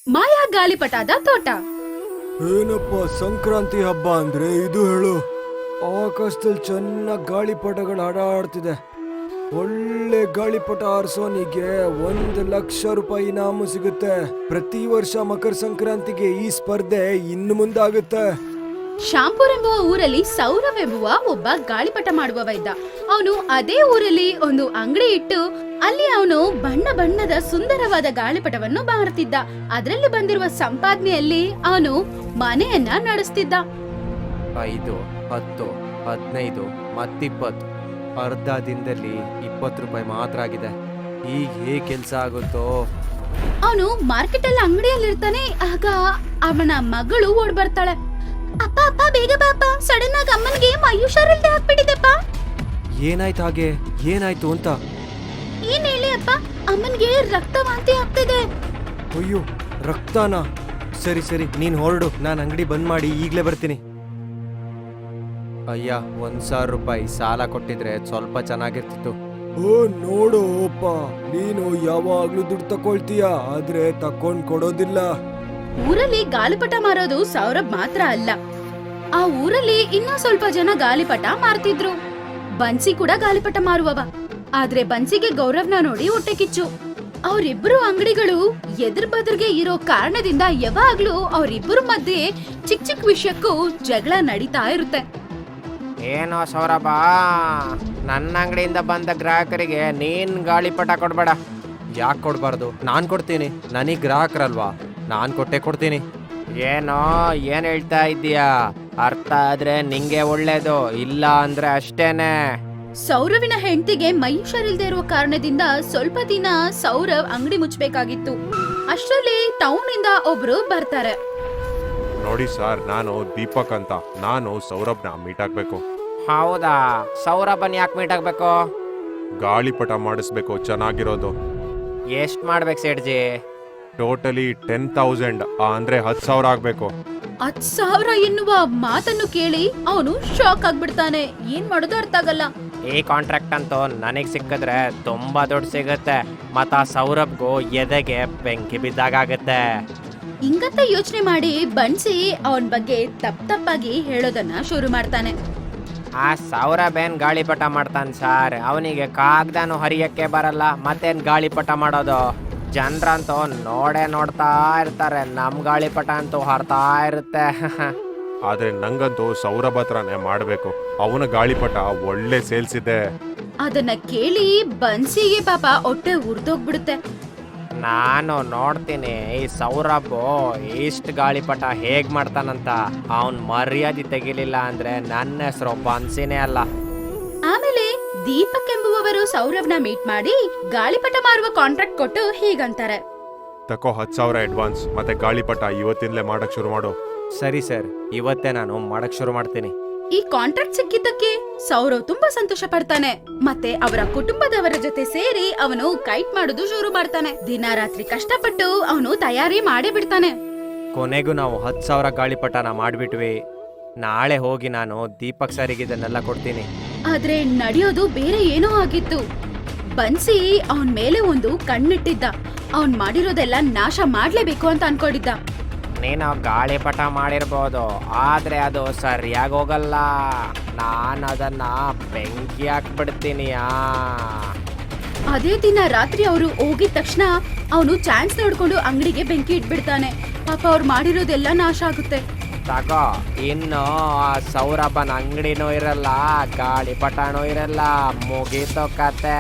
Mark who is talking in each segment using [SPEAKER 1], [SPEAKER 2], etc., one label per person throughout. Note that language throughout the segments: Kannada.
[SPEAKER 1] ಮಾಯಾ ಗಾಳಿಪಟದ ತೋಟ.
[SPEAKER 2] ಏನಪ್ಪ ಸಂಕ್ರಾಂತಿ ಹಬ್ಬ ಅಂದ್ರೆ ಇದು ಹೇಳು. ಆಕಾಶದಲ್ಲಿ ಚೆನ್ನಾಗಿ ಗಾಳಿಪಟಗಳು ಹಾಡಾಡ್ತಿದೆ. ಒಳ್ಳೆ ಗಾಳಿಪಟ ಹಾರಿಸೋನಿಗೆ 1,00,000 ರೂಪಾಯಿ ಇನಾಮು ಸಿಗುತ್ತೆ. ಪ್ರತಿ ವರ್ಷ ಮಕರ ಸಂಕ್ರಾಂತಿಗೆ ಈ ಸ್ಪರ್ಧೆ ಇನ್ನು ಮುಂದಾಗುತ್ತೆ.
[SPEAKER 1] ಶಾಂಪುರ್ ಎಂಬುವ ಊರಲ್ಲಿ ಸೌರವ್ ಎಂಬುವ ಒಬ್ಬ ಗಾಳಿಪಟ ಮಾಡುವವ ಇದ್ದ. ಅವನು ಅದೇ ಊರಲ್ಲಿ ಒಂದು ಅಂಗಡಿ ಇಟ್ಟು ಅಲ್ಲಿ ಅವನು ಬಣ್ಣ ಬಣ್ಣದ ಸುಂದರವಾದ ಗಾಳಿಪಟವನ್ನು ಮಾರುತ್ತಿದ್ದ. ಅದರಲ್ಲಿ ಬಂದಿರುವ ಸಂಪಾದನೆಯಲ್ಲಿ ಅವನು ಮನೆಯನ್ನ ನಡೆಸ್ತಿದ್ದ.
[SPEAKER 3] 5, 10, 15 ಮತ್ತಿಪ್ಪತ್ತು. ಅರ್ಧ ದಿನದಲ್ಲಿ 20 ರೂಪಾಯಿ ಮಾತ್ರ ಆಗಿದೆ. ಈಗ ಹೇಗೆ ಕೆಲಸ ಆಗುತ್ತೋ.
[SPEAKER 1] ಅವನು ಮಾರ್ಕೆಟ್ ಅಲ್ಲಿ ಅಂಗಡಿಯಲ್ಲಿ ಇರ್ತಾನೆ. ಆಗ ಅವನ ಮಗಳು ಓಡ್ ಬರ್ತಾಳೆ. ಅಪ್ಪ ಅಪ್ಪ ಬೇಗ ಬಾಪ, ಸಡನ್ ಆಗಿ ಅಮ್ಮನಿಗೆ ಮೈ ಹುಷಾರಿಲ್ದೆ ಆಗ್ಬಿಟ್ಟಿದೆಪ್ಪ.
[SPEAKER 3] ಏನಾಯ್ತು ಹಾಗೆ? ಏನಾಯ್ತು ಅಂತ?
[SPEAKER 1] ಏನ್ ಹೇಳಿ ಅಪ್ಪ, ಅಮ್ಮನಿಗೆ ರಕ್ತವಾಂತಿ ಆಗ್ತಿದೆ.
[SPEAKER 2] ಅಯ್ಯೋ, ರಕ್ತನಾ? ಸರಿ ಸರಿ, ನೀನ್ ಹೊರಡು, ನಾನು ಅಂಗಡಿ ಬಂದ್ ಮಾಡಿ ಈಗ್ಲೇ ಬರ್ತೀನಿ.
[SPEAKER 3] ಅಯ್ಯ, 1,000 ರೂಪಾಯಿ ಸಾಲ ಕೊಟ್ಟಿದ್ರೆ ಸ್ವಲ್ಪ ಚೆನ್ನಾಗಿರ್ತಿತ್ತು.
[SPEAKER 2] ಓ ನೋಡು ಅಪ್ಪ, ನೀನು ಯಾವಾಗ್ಲೂ ದುಡ್ಡು ತಕೊಳ್ತೀಯ, ಆದ್ರೆ ತಕೊಂಡ್ ಕೊಡೋದಿಲ್ಲ.
[SPEAKER 1] ಊರಲ್ಲಿ ಗಾಳಿಪಟ ಮಾರೋದು ಸೌರಭ್ ಮಾತ್ರ ಅಲ್ಲ, ಆ ಊರಲ್ಲಿ ಇನ್ನೂ ಸ್ವಲ್ಪ ಜನ ಗಾಳಿಪಟ ಮಾರ್ತಿದ್ರು. ಬನ್ಸಿ ಕೂಡ ಗಾಳಿಪಟ ಮಾರುವವ. ಆದ್ರೆ ಬನ್ಸಿಗೆ ಗೌರವ್ನ ನೋಡಿ ಹೊಟ್ಟೆ ಕಿಚ್ಚು. ಅವರಿಬ್ಬರು ಅಂಗಡಿಗಳು ಎದುರು ಬದುರ್ಗೆ ಇರೋ ಕಾರಣದಿಂದ ಯಾವಾಗ್ಲೂ ಅವರಿಬ್ಬರ ಮಧ್ಯೆ ಚಿಕ್ಕ ಚಿಕ್ಕ ವಿಷಯಕ್ಕೂ ಜಗಳ ನಡೀತಾ ಇರುತ್ತೆ.
[SPEAKER 4] ಏನೋ ಸೌರಭ, ನನ್ನ ಅಂಗಡಿಯಿಂದ ಬಂದ ಗ್ರಾಹಕರಿಗೆ ನೀನ್ ಗಾಳಿಪಟ ಕೊಡ್ಬೇಡ.
[SPEAKER 3] ಯಾಕೆ ಕೊಡಬಾರ್ದು? ನಾನು ಕೊಡ್ತೀನಿ, ನನಗೆ ಗ್ರಾಹಕರಲ್ವಾ, ನಾನು ಕೊಡ್ತೀನಿ.
[SPEAKER 4] ಏನೋ ಏನ್ ಹೇಳ್ತಾ ಇದ್ದೀಯಾ? ಅರ್ಥ ಆದ್ರೆ ನಿಂಗೆ ಒಳ್ಳೇದು, ಇಲ್ಲ ಅಂದ್ರೆ ಅಷ್ಟೇನೆ.
[SPEAKER 1] ಸೌರವಿನ ಹೆಂಡತಿಗೆ ಮೈ ಹುಷಾರಿಲ್ದೇ ಇರುವ ಕಾರಣದಿಂದ ಸ್ವಲ್ಪ ದಿನ ಸೌರವ್ ಅಂಗಡಿ ಮುಚ್ಚಬೇಕಾಗಿತ್ತು. ಅಷ್ಟರಲ್ಲಿ ಟೌನ್ ಇಂದ ಒಬ್ರು ಬರ್ತಾರೆ.
[SPEAKER 5] ನೋಡಿ ಸರ್, ನಾನು ದೀಪಕ್ ಅಂತ. ನಾನು ಸೌರಭ್ನ ಮೀಟ್ ಆಗ್ಬೇಕು.
[SPEAKER 4] ಹೌದಾ? ಸೌರಭನ್ ಯಾಕೆ ಮೀಟ್ ಆಗ್ಬೇಕು?
[SPEAKER 5] ಗಾಳಿಪಟ ಮಾಡಿಸ್ಬೇಕು, ಚೆನ್ನಾಗಿರೋದು.
[SPEAKER 4] ಎಷ್ಟ್ ಮಾಡ್ಬೇಕು ಸೇಠ್ಜಿ?
[SPEAKER 5] ಟೋಟಲಿ 10,000, ಅಂದ್ರೆ 10,000 ಆಗ್ಬೇಕು.
[SPEAKER 1] 10,000 ಎನ್ನುವ ಮಾತನ್ನು ಕೇಳಿ ಅವನು ಶಾಕ್ ಆಗ್ಬಿಡ್ತಾನೆ. ಏನ್ ಮಾಡೋದು ಅರ್ಥ ಆಗಲ್ಲ.
[SPEAKER 4] ಈ ಕಾಂಟ್ರಾಕ್ಟ್ ಅಂತೂ ನನಗ್ ಸಿಕ್ಕಿದ್ರೆ ತುಂಬಾ ದುಡ್ಡು ಸಿಗುತ್ತೆ. ಮತ್ತ ಸೌರಭ್ಗೂ ಎದೆಗೆ ಬೆಂಕಿ ಬಿದ್ದಾಗತ್ತೆ.
[SPEAKER 1] ಹಿಂಗಂತ ಯೋಚನೆ ಮಾಡಿ ಬನ್ಸಿ ಅವನ್ ಬಗ್ಗೆ ತಪ್ಪಾಗಿ ಹೇಳೋದನ್ನ ಶುರು ಮಾಡ್ತಾನೆ.
[SPEAKER 4] ಆ ಸೌರಭ್ ಏನ್ ಗಾಳಿಪಟ ಮಾಡ್ತಾನೆ ಸರ್? ಅವನಿಗೆ ಕಾಗ್ದಾನು ಹರಿಯಕ್ಕೆ ಬರಲ್ಲ, ಮತ್ತೇನ್ ಗಾಳಿಪಟ ಮಾಡೋದು? ಜನರಂತೂ ನೋಡ್ತಾ ಇರ್ತಾರೆ, ನಮ್ ಗಾಳಿಪಟ ಅಂತೂ ಹರ್ತಾ ಇರುತ್ತೆ.
[SPEAKER 5] ಆದ್ರೆ ನಂಗಂತೂ ಸೌರಭ್ ಹತ್ರನೇ ಮಾಡ್ಬೇಕು. ಅವನ ಗಾಳಿಪಟ ಒಳ್ಳೆ ಸೇಲ್ಸ್ ಇದೆ.
[SPEAKER 1] ಅದನ್ನ ಕೇಳಿ ಬನ್ಸಿಗೆ ಪಾಪ ಹೊಟ್ಟೆ ಉರ್ದೋಗ್ಬಿಡುತ್ತೆ.
[SPEAKER 4] ನಾನು ನೋಡ್ತೀನಿ ಈ ಸೌರಭ್ ಇಷ್ಟ ಗಾಳಿಪಟ ಹೇಗ್ ಮಾಡ್ತಾನಂತ. ಅವನ್ ಮರ್ಯಾದೆ ತೆಗಿಲಿಲ್ಲ ಅಂದ್ರೆ ನನ್ನ ಹೆಸರು ಬನ್ಸಿನೇ ಅಲ್ಲ.
[SPEAKER 1] ಆಮೇಲೆ ದೀಪಕ್ ಎಂಬುವವರು ಸೌರವ್ನ ಮೀಟ್ ಮಾಡಿ ಗಾಳಿಪಟ ಮಾರುವ ಕಾಂಟ್ರಾಕ್ಟ್ ಕೊಟ್ಟು ಹೀಗಂತಾರೆ.
[SPEAKER 5] ತಕೋ 10,000 ಅಡ್ವಾನ್ಸ್, ಮತ್ತೆ ಗಾಳಿಪಟ ಇವತ್ತಿಂದಲೇ ಮಾಡಕ್ ಶುರು ಮಾಡು.
[SPEAKER 3] ಸರಿ ಸರ್, ಇವತ್ತೇ ನಾನು ಮಾಡಕ್ ಶುರು ಮಾಡ್ತೀನಿ.
[SPEAKER 1] ಈ ಕಾಂಟ್ರಾಕ್ಟ್ ಸಿಕ್ಕಿದ್ದಕ್ಕೆ ಸೌರವ್ ತುಂಬಾ ಸಂತೋಷ ಪಡ್ತಾನೆ. ಮತ್ತೆ ಅವರ ಕುಟುಂಬದವರ ಜೊತೆ ಸೇರಿ ಅವನು ಕೈಟ್ ಮಾಡೋದು ಶುರು ಮಾಡ್ತಾನೆ. ದಿನ ರಾತ್ರಿ ಕಷ್ಟಪಟ್ಟು ಅವನು ತಯಾರಿ ಮಾಡೇ ಬಿಡ್ತಾನೆ.
[SPEAKER 3] ಕೊನೆಗೂ ನಾವು 10,000 ಗಾಳಿಪಟನ ಮಾಡ್ಬಿಟ್ವಿ. ನಾಳೆ ಹೋಗಿ ನಾನು ದೀಪಕ್ ಸರಿಗೆ ಇದನ್ನೆಲ್ಲ ಕೊಡ್ತೀನಿ.
[SPEAKER 1] ಆದ್ರೆ ನಡೆಯೋದು ಬೇರೆ ಏನೋ ಆಗಿತ್ತು. ಬನ್ಸಿ ಅವನ್ ಮೇಲೆ ಒಂದು ಕಣ್ಣಿಟ್ಟಿದ್ದ. ಅವನ್ ಮಾಡಿರೋದೆಲ್ಲ ನಾಶ ಮಾಡ್ಲೇಬೇಕು ಅಂತ ಅನ್ಕೊಂಡಿದ್ದ.
[SPEAKER 4] ನೀನು ಗಾಳಿಪಟ ಮಾಡಿರ್ಬೋದು, ಆದ್ರೆ ಅದು ಸರಿಯಾಗಿ ಹೋಗಲ್ಲ. ನಾನು ಅದನ್ನ ಬೆಂಕಿ ಹಾಕ್ಬಿಡ್ತೀನಿ.
[SPEAKER 1] ಅದೇ ದಿನ ರಾತ್ರಿ ಅವರು ಹೋಗಿದ ತಕ್ಷಣ ಅವನು ಚಾನ್ಸ್ ನೋಡ್ಕೊಂಡು ಅಂಗಡಿಗೆ ಬೆಂಕಿ ಇಟ್ಬಿಡ್ತಾನೆ. ಪಾಪ ಅವ್ರು ಮಾಡಿರೋದೆಲ್ಲ ನಾಶ ಆಗುತ್ತೆ.
[SPEAKER 4] ತಗೋ, ಇನ್ನು ಆ ಸೌರಭನ ಅಂಗಡಿನೂ ಇರಲ್ಲ, ಗಾಳಿಪಟನೂ ಇರಲ್ಲ, ಮುಗೀತು ಕತೆ.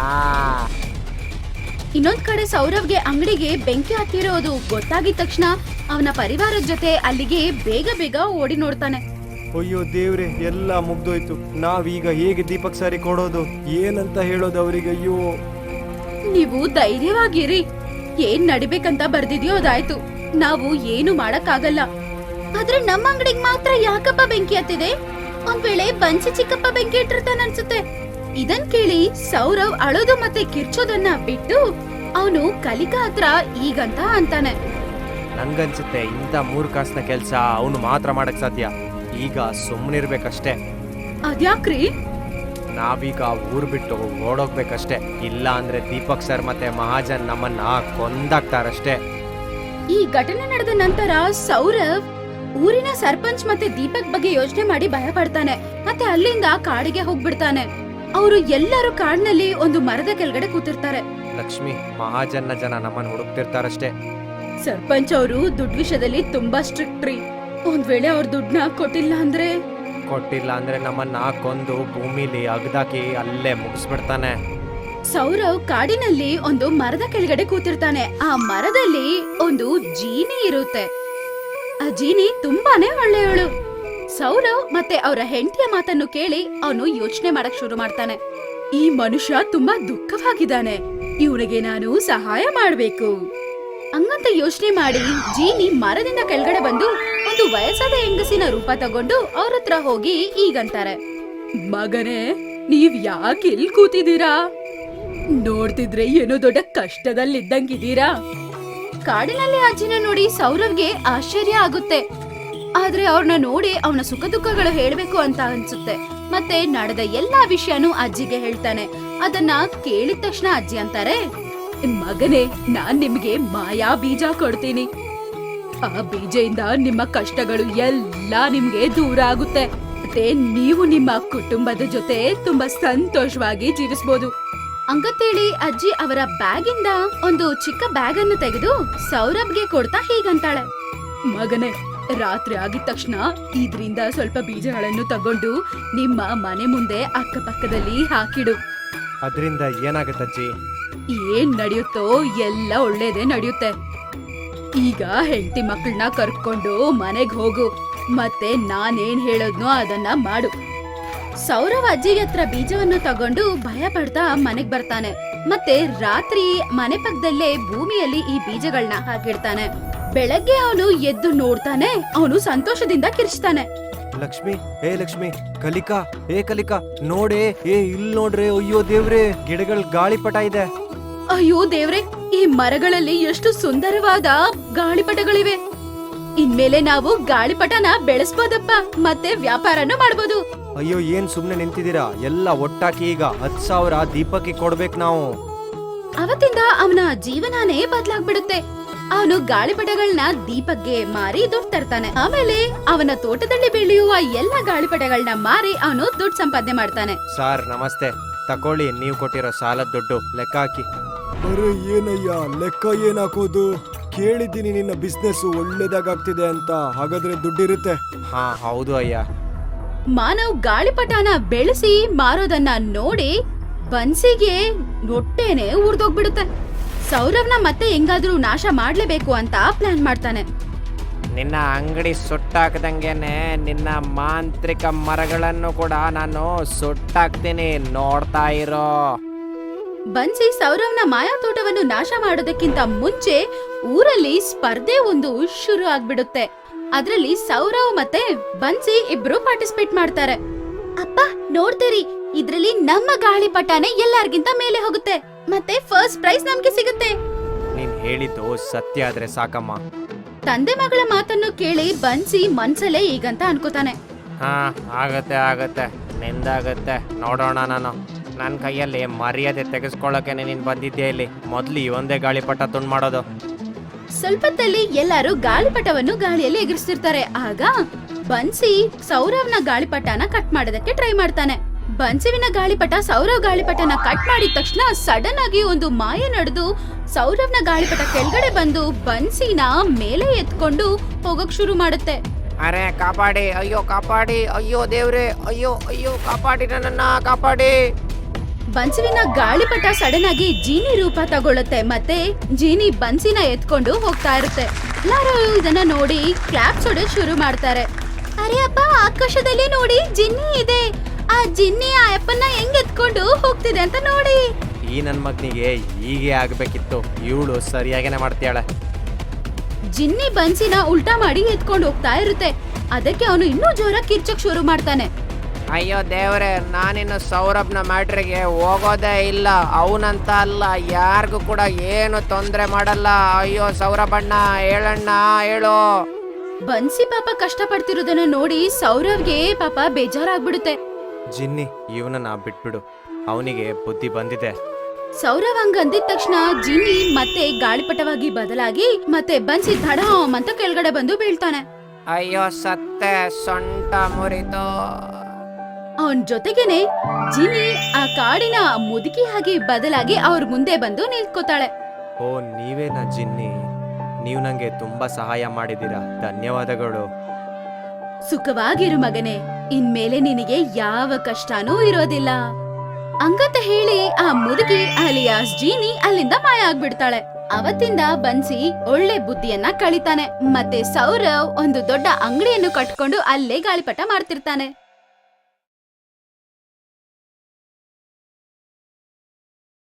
[SPEAKER 1] ಇನ್ನೊಂದ್ ಕಡೆ ಸೌರವ್ಗೆ ಅಂಗಡಿಗೆ ಬೆಂಕಿ ಹತ್ತಿರೋದು ಗೊತ್ತಾಗಿದ ತಕ್ಷಣ ಅವನ ಪರಿವಾರದ ಜೊತೆ ಅಲ್ಲಿಗೆ ಬೇಗ ಓಡಿ ನೋಡ್ತಾನೆ.
[SPEAKER 2] ಅಯ್ಯೋ ದೇವ್ರೆ, ಎಲ್ಲ ಮುಗ್ದೋಯ್ತು. ನಾವೀಗ ಹೇಗೆ ದೀಪಕ್ ಸಾರಿ ಕೊಡೋದು? ಏನಂತ ಹೇಳೋದು ಅವರಿಗೆ? ಅಯ್ಯೋ,
[SPEAKER 1] ನೀವು ಧೈರ್ಯವಾಗಿರಿ. ಏನ್ ನಡಿಬೇಕಂತ ಬರ್ದಿದ್ಯೋ ಅದಾಯ್ತು. ನಾವು ಏನು ಮಾಡಕ್ಕಾಗಲ್ಲ. ಆದ್ರೆ ನಮ್ಮ ಅಂಗಡಿಗೆ ಮಾತ್ರ ಯಾಕಪ್ಪ ಬೆಂಕಿ ಹತ್ತಿದೆ? ಒಂದ್ ವೇಳೆ ಬನ್ಸಿ ಚಿಕ್ಕಪ್ಪ ಬೆಂಕಿ ಇಟ್ಟಿರ್ತಾನ ಅನ್ಸುತ್ತೆ. ಇದನ್ ಕೇಳಿ ಸೌರವ್ ಅಳೋದು ಮತ್ತೆ ಕಿರ್ಚೋದನ್ನ ಬಿಟ್ಟು ಅವನು ಕಲಿಕಾ ಹತ್ರ ಈಗಂತ ಅಂತಾನೆ.
[SPEAKER 3] ನನ್ಗನ್ಸುತ್ತೆ ಇಂಥ 3 ಕಾಸಿನ ಕೆಲಸ ಅವನು ಮಾತ್ರ ಮಾಡಕ್ ಸಾಧ್ಯ. ಈಗ ಸುಮ್ಮನಿರ್ಬೇಕಷ್ಟೇ.
[SPEAKER 1] ಅದ್ಯಾಕ್ರಿ?
[SPEAKER 3] ನಾವೀಗ ಊರ್ ಬಿಟ್ಟು ಓಡೋಗ್ಬೇಕಷ್ಟೇ. ಇಲ್ಲ ಅಂದ್ರೆ ದೀಪಕ್ ಸರ್ ಮತ್ತೆ ಮಹಾಜನ್ ನಮ್ಮನ್ನ ಕೊಂದಾಕ್ತಾರಷ್ಟೇ.
[SPEAKER 1] ಈ ಘಟನೆ ನಡೆದ ನಂತರ ಸೌರವ್ ಊರಿನ ಸರ್ಪಂಚ್ ಮತ್ತೆ ದೀಪಕ್ ಬಗ್ಗೆ ಯೋಚನೆ ಮಾಡಿ ಭಯ ಪಡ್ತಾನೆ ಮತ್ತೆ ಅಲ್ಲಿಂದ ಕಾಡಿಗೆ ಹೋಗ್ಬಿಡ್ತಾನೆ. ಅವರು ಎಲ್ಲರೂ ಕಾಡಿನಲ್ಲಿ ಒಂದು ಮರದ ಕೆಳಗಡೆ ಕೂತಿರ್ತಾರೆ.
[SPEAKER 3] ಲಕ್ಷ್ಮಿ, ಮಹಾಜನ್ನ ಜನ ನಮ್ಮನ್ನ ಹುಡುಕ್ತಿರ್ತಾರಷ್ಟೇ.
[SPEAKER 1] ಸರ್ಪಂಚ್ ಅವರು ದುಡ್ಡು ವಿಷಯದಲ್ಲಿ ತುಂಬಾ ಸ್ಟ್ರಿಕ್ಟ್ ರೀ. ಒಂದ್ ವೇಳೆ ಅವ್ರ ದುಡ್ಡನ್ನ ಕೊಟ್ಟಿಲ್ಲ ಅಂದ್ರೆ
[SPEAKER 3] ನಮ್ಮನ್ನ ಕೊಂದು ಭೂಮಿಲಿ ಅಗ್ದಾಕಿ ಅಲ್ಲೇ ಮುಗಿಸ್ಬಿಡ್ತಾನೆ.
[SPEAKER 1] ಸೌರವ್ ಕಾಡಿನಲ್ಲಿ ಒಂದು ಮರದ ಕೆಳಗಡೆ ಕೂತಿರ್ತಾನೆ. ಆ ಮರದಲ್ಲಿ ಒಂದು ಜೀನಿ ಇರುತ್ತೆ. ಆ ಜೀನಿ ತುಂಬಾನೇ ಒಳ್ಳೆಯವಳು. ಸೌರವ್ ಮತ್ತೆ ಅವರ ಹೆಂಡತಿಯ ಮಾತನ್ನು ಕೇಳಿ ಅವನು ಯೋಚನೆ ಮಾಡಕ್ ಶುರು ಮಾಡ್ತಾನೆ. ಈ ಮನುಷ್ಯ ತುಂಬಾ ದುಃಖವಾಗಿದ್ದಾನೆ, ಇವನಿಗೆ ನಾನು ಸಹಾಯ ಮಾಡ್ಬೇಕು ಹಂಗಂತ ಯೋಚನೆ ಮಾಡಿ ಜೀನಿ ಮರದಿಂದ ಕೆಳಗಡೆ ಬಂದು ಒಂದು ವಯಸ್ಸಾದ ಹೆಂಗಸಿನ ರೂಪ ತಗೊಂಡು ಅವ್ರ ಹತ್ರ ಹೋಗಿ ಈಗಂತಾರೆ, ಮಗನೇ, ನೀವ್ ಯಾಕೆ ಇಲ್ಲಿ ಕೂತಿದ್ದೀರಾ? ನೋಡ್ತಿದ್ರೆ ಏನೋ ದೊಡ್ಡ ಕಷ್ಟದಲ್ಲಿದ್ದಂಗಿದ್ದೀರಾ. ಕಾಡಿನಲ್ಲಿ ಅಜ್ಜಿನ ನೋಡಿ ಸೌರವ್ಗೆ ಆಶ್ಚರ್ಯ ಆಗುತ್ತೆ. ಆದ್ರೆ ಅವ್ರನ್ನ ನೋಡಿ ಅವನ ಸುಖ ದುಃಖಗಳು ಹೇಳ್ಬೇಕು ಅಂತ ಅನ್ಸುತ್ತೆ. ಮತ್ತೆ ನಡೆದ ಎಲ್ಲಾ ವಿಷಯನೂ ಅಜ್ಜಿಗೆ ಹೇಳ್ತಾನೆ. ಅದನ್ನ ಕೇಳಿದ ತಕ್ಷಣ ಅಜ್ಜಿ ಅಂತಾರೆ, ಮಗನೇ, ನಾನ್ ನಿಮ್ಗೆ ಮಾಯಾ ಬೀಜ ಕೊಡ್ತೀನಿ. ಆ ಬೀಜದಿಂದ ನಿಮ್ಮ ಕಷ್ಟಗಳು ಎಲ್ಲಾ ನಿಮ್ಗೆ ದೂರ ಆಗುತ್ತೆ. ಮತ್ತೆ ನೀವು ನಿಮ್ಮ ಕುಟುಂಬದ ಜೊತೆ ತುಂಬಾ ಸಂತೋಷವಾಗಿ ಜೀವಿಸಬಹುದು ಹಂಗಂತೇಳಿ ಅಜ್ಜಿ ಅವರ ಬ್ಯಾಗ್ ಇಂದ ಒಂದು ಚಿಕ್ಕ ಬ್ಯಾಗ್ ಅನ್ನು ತೆಗೆದು ಸೌರಭ್ಗೆ ಕೊಡ್ತಾ ಹೀಗಂತಾಳೆ, ಮಗನೇ, ರಾತ್ರಿ ಆಗಿದ ತಕ್ಷಣ ಇದ್ರಿಂದ ಸ್ವಲ್ಪ ಬೀಜಗಳನ್ನು ತಗೊಂಡು ನಿಮ್ಮ ಮನೆ ಮುಂದೆ ಅಕ್ಕಪಕ್ಕದಲ್ಲಿ ಹಾಕಿಡು.
[SPEAKER 3] ಅದರಿಂದ ಏನಾಗತ್ತಜ್ಜಿ?
[SPEAKER 1] ಏನ್ ನಡೆಯುತ್ತೋ ಎಲ್ಲ ಒಳ್ಳೇದೇ ನಡೆಯುತ್ತೆ. ಈಗ ಹೆಂಡತಿ ಮಕ್ಕಳನ್ನ ಕರ್ಕೊಂಡು ಮನೆಗ್ ಹೋಗು, ಮತ್ತೆ ನಾನೇನ್ ಹೇಳೋದ್ನೋ ಅದನ್ನ ಮಾಡು. ಸೌರವ್ ಅಜ್ಜಿಗೆ ಹತ್ರ ಬೀಜವನ್ನು ತಗೊಂಡು ಭಯ ಪಡ್ತಾ ಮನೆಗ್ ಬರ್ತಾನೆ. ಮತ್ತೆ ರಾತ್ರಿ ಮನೆ ಪಕ್ಕದಲ್ಲೇ ಭೂಮಿಯಲ್ಲಿ ಈ ಬೀಜಗಳನ್ನ ಹಾಕಿಡ್ತಾನೆ. ಬೆಳಗ್ಗೆ ಅವನು ಎದ್ದು ನೋಡ್ತಾನೆ, ಅವನು ಸಂತೋಷದಿಂದ ಕಿರ್ಚ್ತಾನೆ,
[SPEAKER 2] ಲಕ್ಷ್ಮಿ, ಕಲಿಕಾ ನೋಡೆ, ಇಲ್ ನೋಡ್ರೆ, ಅಯ್ಯೋ ದೇವ್ರೆ, ಗಿಡಗಳ ಗಾಳಿಪಟ ಇದೆ.
[SPEAKER 1] ಅಯ್ಯೋ ದೇವ್ರೆ, ಈ ಮರಗಳಲ್ಲಿ ಎಷ್ಟು ಸುಂದರವಾದ ಗಾಳಿಪಟಗಳಿವೆ. ಇನ್ಮೇಲೆ ನಾವು ಗಾಳಿಪಟನ ಬೆಳೆಸ್ಬೋದಪ್ಪ, ಮತ್ತೆ ವ್ಯಾಪಾರನೂ ಮಾಡ್ಬೋದು.
[SPEAKER 2] ಅಯ್ಯೋ, ಏನ್ ಸುಮ್ನೆ ನಿಂತಿದ್ದೀರಾ? ಎಲ್ಲ ಒಟ್ಟಾಕಿ ಈಗ 10,000 ದೀಪಕ್ಕೆ ಕೊಡ್ಬೇಕು ನಾವು.
[SPEAKER 1] ಅವತ್ತಿಂದ ಅವನ ಜೀವನನೇ ಬದಲಾಗ್ಬಿಡುತ್ತೆ. ಅವನು ಗಾಳಿಪಟಗಳನ್ನ ದೀಪಕ್ಗೆ ಮಾರಿ ದುಡ್ಡು ತರ್ತಾನೆ. ಆಮೇಲೆ ಅವನ ತೋಟದಲ್ಲಿ ಬೆಳೆಯುವ ಎಲ್ಲ ಗಾಳಿಪಟಗಳನ್ನ ಮಾರಿ ಅವನು ದುಡ್ಡು ಸಂಪಾದನೆ ಮಾಡ್ತಾನೆ.
[SPEAKER 3] ಸಾರ್ ನಮಸ್ತೆ, ತಕೊಳ್ಳಿ ನೀವು ಕೊಟ್ಟಿರೋ ಸಾಲದ ದುಡ್ಡು, ಲೆಕ್ಕ ಹಾಕಿ.
[SPEAKER 2] ಅರೆ ಏನಯ್ಯ, ಲೆಕ್ಕ ಏನ್ ಹಾಕೋದು? ಕೇಳಿದ್ದೀನಿ ನಿನ್ನ ಬಿಸ್ನೆಸ್ ಒಳ್ಳೇದಾಗ್ತಿದೆ ಅಂತ, ಹಾಗಾದ್ರೆ ದುಡ್ಡಿರುತ್ತೆ.
[SPEAKER 3] ಹಾ ಹೌದು ಅಯ್ಯ.
[SPEAKER 1] ಮಾನವ್ ಗಾಳಿಪಟನ ಬೆಳೆಸಿ ಮಾರೋದನ್ನ ನೋಡಿ ಬನ್ಸಿಗೆ ಹೊಟ್ಟೆನೆ ಉರ್ದೋಗ್ಬಿಡುತ್ತೆ. ಸೌರವ್ನ ಮತ್ತೆ ಹೆಂಗಾದ್ರೂ ನಾಶ ಮಾಡ್ಲೇಬೇಕು ಅಂತ ಪ್ಲಾನ್ ಮಾಡ್ತಾನೆ.
[SPEAKER 4] ನಿನ್ನ ಅಂಗಡಿ ಸುಟ್ಟಾಕ್ದಂಗೆನೆ ನಿನ್ನ ಮಾಂತ್ರಿಕ ಮರಗಳನ್ನು ಕೂಡ ನಾನು ಸುಟ್ಟಾಕ್ತೀನಿ, ನೋಡ್ತಾ ಇರೋ.
[SPEAKER 1] ಬನ್ಸಿ ಸೌರವ್ನ ಮಾಯಾ ತೋಟವನ್ನು ನಾಶ ಮಾಡೋದಕ್ಕಿಂತ ಮುಂಚೆ ಊರಲ್ಲಿ ಸ್ಪರ್ಧೆ ಒಂದು ಶುರು ಆಗ್ಬಿಡುತ್ತೆ. ಅದ್ರಲ್ಲಿ ಸೌರವ್ ಮತ್ತೆ ಬನ್ಸಿ ಇಬ್ರು ಪಾರ್ಟಿಸಿಪೇಟ್ ಮಾಡ್ತಾರೆ. ಅಪ್ಪ ನೋಡ್ತೀರಿ, ಇದ್ರಲ್ಲಿ ನಮ್ಮ ಗಾಳಿಪಟನೇ ಎಲ್ಲಾರ್ಗಿಂತ ಮೇಲೆ ಹೋಗುತ್ತೆ, ಮತ್ತೆ ಫಸ್ಟ್ ಪ್ರೈಸ್ ನಮ್ಗೆ ಸಿಗುತ್ತೆ.
[SPEAKER 3] ನೀನ್ ಹೇಳಿದ್ದು ಸತ್ಯ ಆದ್ರೆ ಸಾಕಮ್ಮ.
[SPEAKER 1] ತಂದೆ ಮಗಳ ಮಾತನ್ನು ಕೇಳಿ ಬನ್ಸಿ ಮನ್ಸಲ್ಲೇ ಈಗಂತ ಅನ್ಕೋತಾನೆ,
[SPEAKER 4] ಹಾ ಆಗತ್ತೆ, ನಿಂದಾಗತ್ತೆ, ನೋಡೋಣ. ನಾನು ನನ್ನ ಕೈಯಲ್ಲಿ ಮರ್ಯಾದೆ ತೆಗೆಸ್ಕೊಳ್ಳೋಕೆ ನೀನು ಬಂದಿದ್ದೆ ಇಲ್ಲಿ. ಮೊದ್ಲು ಈ ಒಂದೇ ಗಾಳಿಪಟ ತುಂಡು ಮಾಡೋದು.
[SPEAKER 1] ಸ್ವಲ್ಪತ್ತಲ್ಲಿ ಎಲ್ಲರೂ ಗಾಳಿಪಟವನ್ನು ಗಾಳಿಯಲ್ಲಿ ಎಗರಿಸ್ತಿರ್ತಾರೆ. ಆಗ ಬನ್ಸಿ ಸೌರವ್ನ ಗಾಳಿಪಟನ ಕಟ್ ಮಾಡೋದಕ್ಕೆ ಟ್ರೈ ಮಾಡ್ತಾನೆ. ಬನ್ಸಿವಿನ ಗಾಳಿಪಟ ಸೌರವ್ ಗಾಳಿಪಟನ ಕಟ್ ಮಾಡಿದ ತಕ್ಷಣ ಸಡನ್ ಆಗಿ ಒಂದು ಮಾಯ ನಡೆದು ಸೌರವ್ನ ಗಾಳಿಪಟ ಕೆಳಗಡೆ ಬಂದು ಬನ್ಸಿನ ಮೇಲೆ ಎತ್ಕೊಂಡು ಹೋಗಕ್ ಶುರು ಮಾಡುತ್ತೆ.
[SPEAKER 4] ಅರೆ ಕಾಪಾಡಿ, ಅಯ್ಯೋ ಕಾಪಾಡಿ, ಅಯ್ಯೋ ದೇವ್ರೆ, ಅಯ್ಯೋ ಅಯ್ಯೋ ಕಾಪಾಡಿ, ನನ್ನನ್ನ ಕಾಪಾಡಿ.
[SPEAKER 1] ಬನ್ಸುವಿನ ಗಾಳಿಪಟ ಸಡನ್ ಆಗಿ ಜೀನಿ ರೂಪ ತಗೊಳುತ್ತೆ. ಮತ್ತೆ ಜೀನಿ ಬನ್ಸಿನ ಎತ್ಕೊಂಡು ಹೋಗ್ತಾ ಇರುತ್ತೆ. ಎಲ್ಲರೂ ಇದನ್ನ ನೋಡಿ ಕ್ಲಾಪ್ಸ್ ಹೊಡೆಯೋದು ಶುರು ಮಾಡ್ತಾರೆ. ಅರೆ ಅಪ್ಪ, ಆಕಾಶದಲ್ಲಿ ನೋಡಿ ಜಿನ್ನಿ ಇದೆ. ಆ ಜಿನ್ನಿ ಆ ಅಪ್ಪನ್ನ ಹೆಂಗ್ ಎತ್ಕೊಂಡು ಹೋಗ್ತಿದೆ ಅಂತ ನೋಡಿ.
[SPEAKER 3] ಈ ನನ್ ಮಗನಿಗೆ ಹೀಗೆ ಆಗ್ಬೇಕಿತ್ತು, ಇವಳು ಸರಿಯಾಗೇನೆ ಮಾಡ್ತಾಳೆ.
[SPEAKER 1] ಜಿನ್ನಿ ಬನ್ಸಿನ ಉಲ್ಟಾ ಮಾಡಿ ಎತ್ಕೊಂಡು ಹೋಗ್ತಾ ಇರುತ್ತೆ. ಅದಕ್ಕೆ ಅವನು ಇನ್ನೂ ಜೋರಾಗಿ ಕಿರ್ಚಕ್ ಶುರು ಮಾಡ್ತಾನೆ.
[SPEAKER 4] ಅಯ್ಯೋ ದೇವ್ರೆ, ನಾನಿನ್ನು ಸೌರಭ್ನ ಮ್ಯಾಟ್ರಿಗೆ ಹೋಗೋದೇ ಇಲ್ಲ. ಅವನಂತ ಅಲ್ಲ, ಯಾರಿಗೂ ಕೂಡ ಏನು ತೊಂದರೆ ಮಾಡಲ್ಲ. ಅಯ್ಯೋ ಸೌರಭಣ್ಣ, ಹೇಳಣ್ಣ, ಹೇಳು.
[SPEAKER 1] ಬನ್ಸಿ ಪಾಪ ಕಷ್ಟ ಪಡ್ತಿರೋದನ್ನ ನೋಡಿ ಸೌರವ್ಗೆ ಪಾಪ ಬೇಜಾರಾಗ್ಬಿಡುತ್ತೆ.
[SPEAKER 3] ಜಿನ್ನಿ, ಇವನನ್ನ ಬಿಟ್ಬಿಡು, ಅವನಿಗೆ ಬುದ್ಧಿ ಬಂದಿದೆ.
[SPEAKER 1] ಸೌರವ್ ಹಂಗಂದಿದ ತಕ್ಷಣ ಜಿನ್ನಿ ಮತ್ತೆ ಗಾಳಿಪಟವಾಗಿ ಬದಲಾಗಿ ಮತ್ತೆ ಬನ್ಸಿ ಧಡಾಮ್ ಅಂತ ಕೆಳಗಡೆ ಬಂದು ಬೀಳ್ತಾನೆ.
[SPEAKER 4] ಅಯ್ಯೋ ಸತ್ತೆ, ಸೊಂಟ ಮುರಿತು.
[SPEAKER 1] ಅವನ್ ಜೊತೆಗೇನೆ ಜಿನ್ನಿ ಆ ಕಾಡಿನ ಮುದುಕಿಯಾಗಿ ಬದಲಾಗಿ ಅವ್ರ ಮುಂದೆ ಬಂದು ನಿಂತ್ಕೋತಾಳೆ.
[SPEAKER 3] ಓ ನೀವೇನಾ ಜಿನ್ನಿ, ನೀವು ನಂಗೆ ತುಂಬಾ ಸಹಾಯ ಮಾಡಿದ್ದೀರಾ, ಧನ್ಯವಾದಗಳು.
[SPEAKER 1] ಸುಖವಾಗಿರು ಮಗನೇ, ಇನ್ಮೇಲೆ ನಿನಗೆ ಯಾವ ಕಷ್ಟನೂ ಇರೋದಿಲ್ಲ ಹಂಗಂತ ಹೇಳಿ ಆ ಮುದುಕಿ ಅಲಿಯಾಸ್ ಜೀನಿ ಅಲ್ಲಿಂದ ಮಾಯ ಆಗ್ಬಿಡ್ತಾಳೆ. ಅವತ್ತಿಂದ ಬನ್ಸಿ ಒಳ್ಳೆ ಬುದ್ಧಿಯನ್ನ ಕಳಿತಾನೆ. ಮತ್ತೆ ಸೌರವ್ ಒಂದು ದೊಡ್ಡ ಅಂಗಡಿಯನ್ನು ಕಟ್ಕೊಂಡು ಅಲ್ಲೇ ಗಾಳಿಪಟ ಮಾಡ್ತಿರ್ತಾನೆ.